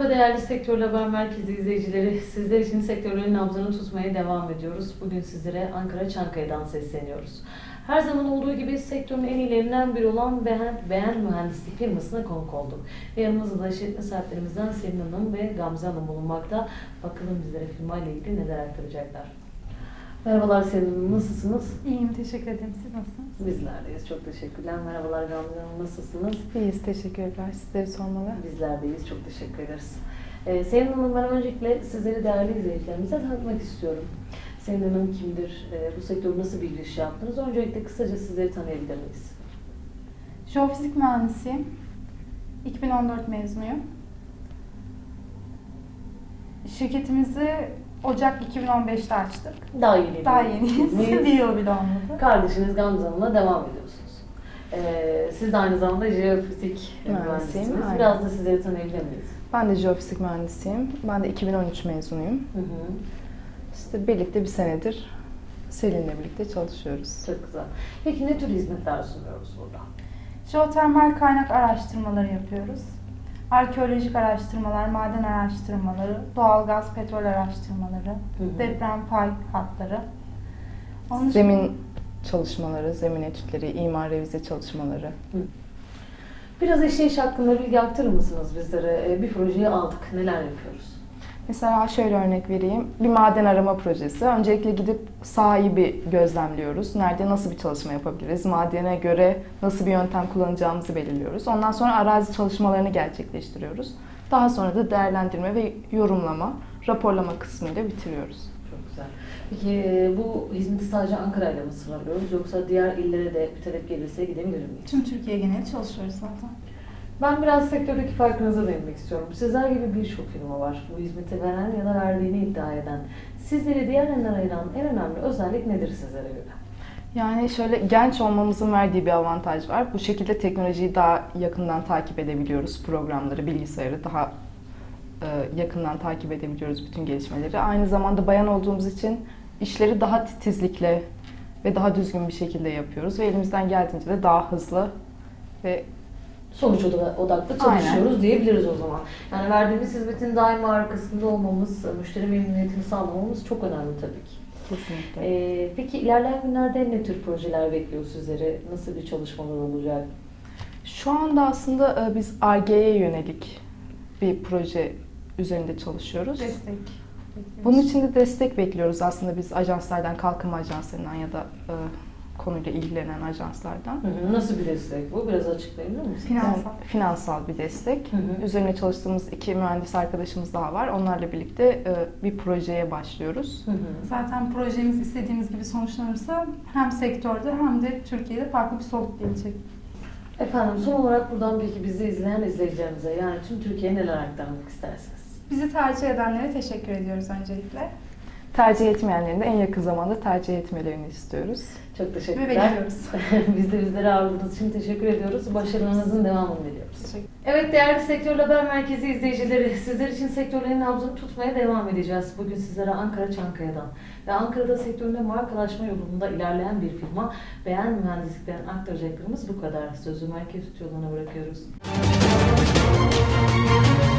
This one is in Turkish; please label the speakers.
Speaker 1: Merhaba değerli Sektör Haber Merkezi izleyicileri. Sizler için sektörlerin nabzını tutmaya devam ediyoruz. Bugün sizlere Ankara Çankaya'dan sesleniyoruz. Her zaman olduğu gibi sektörün en iyilerinden biri olan Beğen Mühendislik firmasına konuk olduk. Ve yanımızda da işletme sahiplerimizden Selin Hanım ve Gamze Hanım bulunmakta. Bakalım bizlere firma ile ilgili neler aktaracaklar. Merhabalar Selin Hanım, nasılsınız?
Speaker 2: İyiyim, teşekkür ederim. Siz nasılsınız?
Speaker 1: Bizlerdeyiz, çok teşekkürler. Merhabalar Gamze Hanım, nasılsınız?
Speaker 2: İyiyiz, teşekkürler. Sizleri sormalı.
Speaker 1: Bizlerdeyiz, çok teşekkür ederiz. Selin Hanım, ben öncelikle sizleri değerli izleyicilerimize tanıtmak istiyorum. Selin Hanım kimdir? Bu sektörü nasıl bir giriş yaptınız? Öncelikle kısaca sizleri tanıyabilir miyiz?
Speaker 2: Jeofizik mühendisiyim. 2014 mezunuyum. Şirketimizi Ocak 2015'te açtık.
Speaker 1: Daha yeni.
Speaker 2: Daha yeniyiz. Bir yıl bile olmadı.
Speaker 1: Kardeşiniz Gamze Hanım'la devam ediyorsunuz. Siz de aynı zamanda jeofizik mühendisiniz.
Speaker 3: Aynen.
Speaker 1: Biraz da sizleri tanıyabilir miyiz?
Speaker 3: Ben de jeofizik mühendisiyim. Ben de 2013 mezunuyum.
Speaker 1: Hı hı.
Speaker 3: İşte birlikte bir senedir Selin'le birlikte çalışıyoruz.
Speaker 1: Çok güzel. Peki ne tür hizmetler sunuyoruz burada?
Speaker 2: Jeotermal kaynak araştırmaları yapıyoruz. Arkeolojik araştırmalar, maden araştırmaları, doğalgaz, petrol araştırmaları, deprem pay hatları. Onun
Speaker 3: Zemin çalışmaları, zemin etütleri, imar revize çalışmaları.
Speaker 1: Biraz işleyiş hakkında bilgi aktarır mısınız bizlere? Bir projeyi aldık. Neler yapıyoruz?
Speaker 3: Mesela şöyle örnek vereyim. Bir maden arama projesi. Öncelikle gidip sahayı bir gözlemliyoruz. Nerede nasıl bir çalışma yapabiliriz? Madene göre nasıl bir yöntem kullanacağımızı belirliyoruz. Ondan sonra arazi çalışmalarını gerçekleştiriyoruz. Daha sonra da değerlendirme ve yorumlama, raporlama kısmıyla bitiriyoruz.
Speaker 1: Çok güzel. Peki bu hizmeti sadece Ankara'yla mı sınırlıyoruz yoksa diğer illere de bir talep gelirse gidebilir miyiz?
Speaker 2: tüm Türkiye geneli çalışıyoruz zaten.
Speaker 1: Ben biraz sektördeki farkınıza değinmek istiyorum. Sizler gibi birçok firma var. Bu hizmeti veren ya da verdiğini iddia eden. Sizleri diğerlerinden ayıran en önemli özellik nedir sizlere göre?
Speaker 3: Yani şöyle genç olmamızın verdiği bir avantaj var. Bu şekilde teknolojiyi daha yakından takip edebiliyoruz. Programları, bilgisayarı daha yakından takip edebiliyoruz bütün gelişmeleri. Aynı zamanda bayan olduğumuz için işleri daha titizlikle ve daha düzgün bir şekilde yapıyoruz. Ve elimizden geldiğince de daha hızlı ve
Speaker 1: Sonuç odaklı çalışıyoruz diyebiliriz o zaman. Yani verdiğimiz hizmetin daima arkasında olmamız, müşteri memnuniyetini sağlamamız çok önemli tabii ki.
Speaker 3: kesinlikle.
Speaker 1: Peki ilerleyen günlerde ne tür projeler bekliyor sizleri? Nasıl bir çalışmalar olacak?
Speaker 3: Şu anda aslında biz Ar-Ge'ye yönelik bir proje üzerinde çalışıyoruz.
Speaker 2: Destek.
Speaker 3: Bunun için de destek bekliyoruz aslında biz ajanslardan, kalkınma ajanslarından ya da konuyla ilgilenen ajanslardan.
Speaker 1: Nasıl bir destek bu? Biraz açıklayabilir misiniz?
Speaker 2: Finansal.
Speaker 3: Finansal bir destek.
Speaker 1: Hı hı.
Speaker 3: Üzerine çalıştığımız 2 mühendis arkadaşımız daha var. Onlarla birlikte bir projeye başlıyoruz.
Speaker 2: Zaten projemiz istediğimiz gibi sonuçlanırsa hem sektörde hem de Türkiye'de farklı bir soluk gelecek.
Speaker 1: Efendim son olarak buradan peki bizi izleyen izleyicilerimize yani tüm Türkiye'ye neler aktarmak istersiniz?
Speaker 2: Bizi tercih edenlere teşekkür ediyoruz öncelikle.
Speaker 3: Tercih etmeyenlerin de en yakın zamanda tercih etmelerini istiyoruz.
Speaker 1: Çok
Speaker 2: Ve
Speaker 1: teşekkürler.
Speaker 2: bekliyoruz.
Speaker 1: Biz de bizleri ağırladığınız için teşekkür ediyoruz. Başarılarınızın devamını diliyoruz.
Speaker 2: Teşekkür.
Speaker 1: Evet değerli Sektör Haber Merkezi izleyicileri, sizler için sektörlerin nabzını tutmaya devam edeceğiz. Bugün sizlere Ankara Çankaya'dan ve Ankara'da sektöründe markalaşma yolunda ilerleyen bir firma Beğen Mühendislik'ten aktaracaklarımız bu kadar. Sözü merkez stüdyolarına bırakıyoruz.